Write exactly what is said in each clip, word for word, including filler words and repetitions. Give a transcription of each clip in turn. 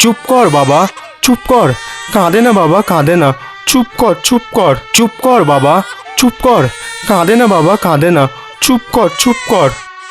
চুপ কর বাবা, চুপ কর, কাঁদে না বাবা, কাঁদে না, চুপ কর, চুপ কর, চুপ কর বাবা, চুপ কর, কাঁদে না বাবা, কাঁদে না, চুপ কর, চুপ কর।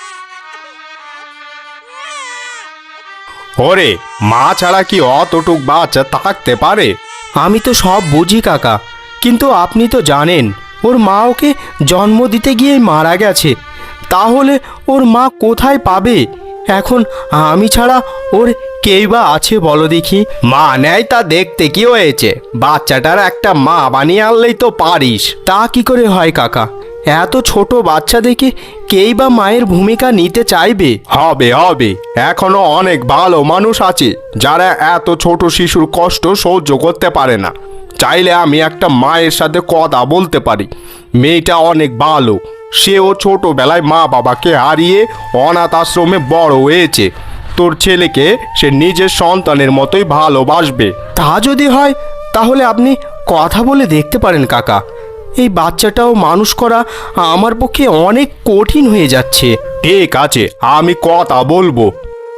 ওরে, মা ছাড়া কি অতটুক বাচ্চা থাকতে পারে? আমি তো সব বুঝি কাকা, কিন্তু আপনি তো জানেন ওর মা ওকে জন্ম দিতে গিয়েই মারা গেছে। তাহলে ওর মা কোথায় পাবে? এখন আমি ছাড়া ওর কেই বা আছে বলো দেখি? মা নেয় তা দেখতে কি হয়েছে? বাচ্চাটার একটা মা বানিয়ে আনলেই তো পারিস। তা কি করে হয় কাকা? এত ছোট বাচ্চা দেখে কেই বা মায়ের ভূমিকা নিতে চাইবে? হবে হবে, এখনো অনেক ভালো মানুষ আছে যারা এত ছোট শিশুর কষ্ট সহ্য করতে পারে না। চাইলে আমি একটা মায়ের সাথে কথা বলতে পারি। মেয়েটা অনেক ভালো, সেও ছোটবেলায় মা বাবাকে হারিয়ে অনাথ আশ্রমে বড় হয়েছে। তোর ছেলেকে সে নিজের সন্তানের মতোই ভালোবাসবে। তা যদি হয় তাহলে আপনি কথা বলে দেখতে পারেন কাকা। এই বাচ্চাটাও মানুষ করা আমার পক্ষে অনেক কঠিন হয়ে যাচ্ছে। ঠিক আছে, আমি কথা বলবো।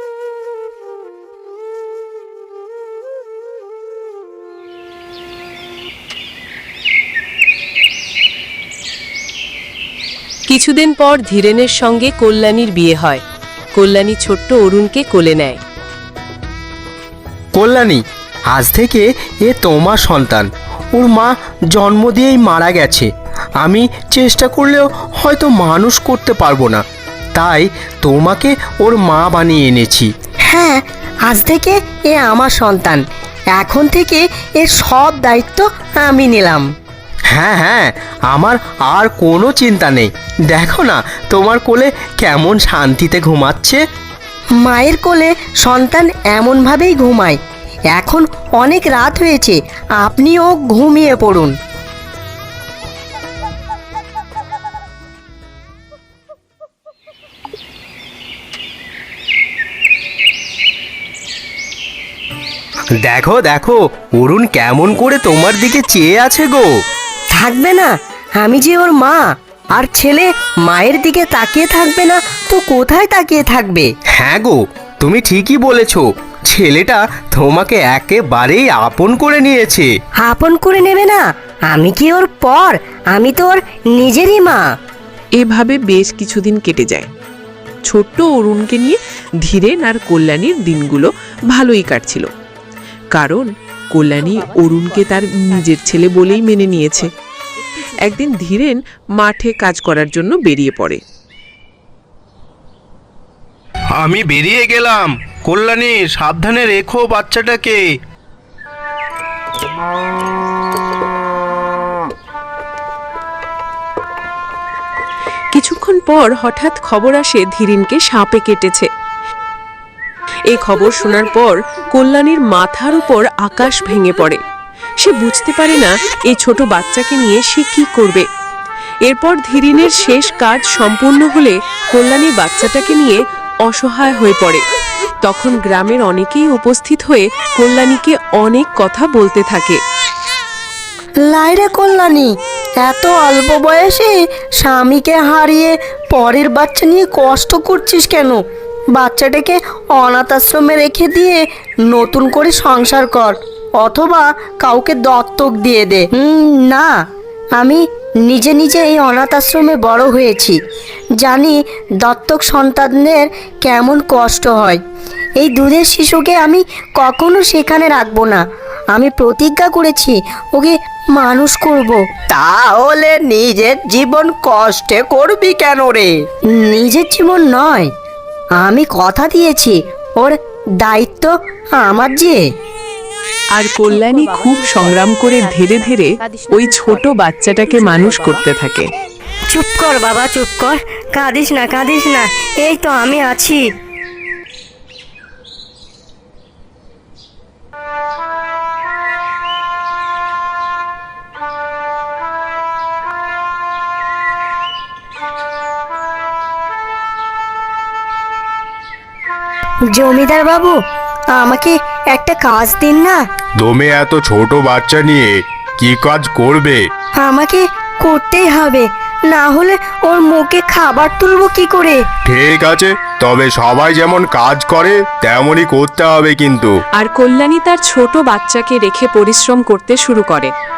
কিছুদিন পর ধীরেনের সঙ্গে কল্যাণীর বিয়ে হয়। কল্যাণী ছোট্ট অরুণকে কোলে নেয়। কল্যাণী, আজ থেকে এ তোমার সন্তান। ওর মা জন্ম দিয়েই মারা গেছে। আমি চেষ্টা করলেও হয়তো মানুষ করতে পারবো না, তাই তোমাকে ওর মা বানিয়ে এনেছি। হ্যাঁ, আজ থেকে এ আমার সন্তান। এখন থেকে এর সব দায়িত্ব আমি নিলাম। হ্যাঁ হ্যাঁ, আমার আর কোনো চিন্তা নেই। দেখো না তোমার কোলে কেমন শান্তিতে ঘুমাচ্ছে। মায়ের কোলে সন্তান এমনভাবেই ঘুমায়। এখন অনেক রাত হয়েছে, আপনিও ঘুমিয়ে পড়ুন। দেখো দেখো, অরুণ কেমন করে তোমার দিকে চেয়ে আছে গো। থাকবে না? আমি যে ওর মা, আর ছেলে মায়ের দিকে তাকিয়ে থাকবে না তো কোথায় তাকিয়ে থাকবে? হ্যাঁ গো, তুমি ঠিকই বলেছো। ছেলেটা তোমাকে একেবারেই আপন করে নিয়েছে। আপন করে নেবে না? আমি কি ওর পর? আমি তো ওর নিজেরই মা। এভাবে বেশ কিছুদিন কেটে যায়। ছোট্ট অরুণকে নিয়ে ধীরেন আর কল্যাণীর দিনগুলো ভালোই কাটছিল, কারণ কল্যাণী অরুণকে তার নিজের ছেলে বলেই মেনে নিয়েছে। একদিন ধীরেন মাঠে কাজ করার জন্য বেরিয়ে পড়ে। আমি বেরিয়ে গেলাম। কল্যাণী, সাবধানে রেখো বাচ্চাটাকে। কিছুক্ষণ পর হঠাৎ খবর আসে ধীরেনকে সাপে কেটেছে। এই খবর শোনার পর কল্যাণীর মাথার উপর আকাশ ভেঙে পড়ে। সে বুঝতে পারে না এই ছোট বাচ্চাকে নিয়ে সে কি করবে। এরপর ধীরেনের শেষ কাজ সম্পূর্ণ হলে কল্যাণী বাচ্চাটাকে নিয়ে অসহায় হয়ে পড়ে। তখন গ্রামের অনেকেই উপস্থিত হয়ে কল্যাণীকে অনেক কথা বলতে থাকে। লাইরে কল্যাণী, এত অল্প বয়সে স্বামীকে হারিয়ে পরের বাচ্চা নিয়ে কষ্ট করছিস কেন? বাচ্চাটাকে অনাথ আশ্রমে রেখে দিয়ে নতুন করে সংসার কর, অথবা কাউকে দত্তক দিয়ে দে। হুম, না, আমি নিজে নিজে এই অনাথ আশ্রমে বড় হয়েছি, জানি দত্তক সন্তানদের কেমন কষ্ট হয়। এই দুধের শিশুকে আমি কখনো সেখানে রাখবো না। আমি প্রতিজ্ঞা করেছি ওকে মানুষ করব। তাহলে নিজের জীবন কষ্টে করবি কেন রে? নিজের জীবন নয়, আমি কথা দিয়েছি ওর দায়িত্ব আমার। যে আর কল্যাণী খুব সংগ্রাম করে ধীরে ধীরে ওই ছোট বাচ্চাটাকে মানুষ করতে থাকে। চুপ কর বাবা, চুপ কর, কাঁদিস না, কাঁদিস না, এই তো আমি আছি। জমিদার বাবু, আমাকে একটা কাজ দিন না। তুমি এত ছোট বাচ্চা নিয়ে কি কাজ করবে? আমাকে করতেই হবে, না হলে ওর মুখে খাবার তুলবো কি করে? ঠিক আছে, তবে সবাই যেমন কাজ করে তেমনই করতে হবে কিন্তু। আর কল্যাণী তার ছোট বাচ্চাকে রেখে পরিশ্রম করতে শুরু করে।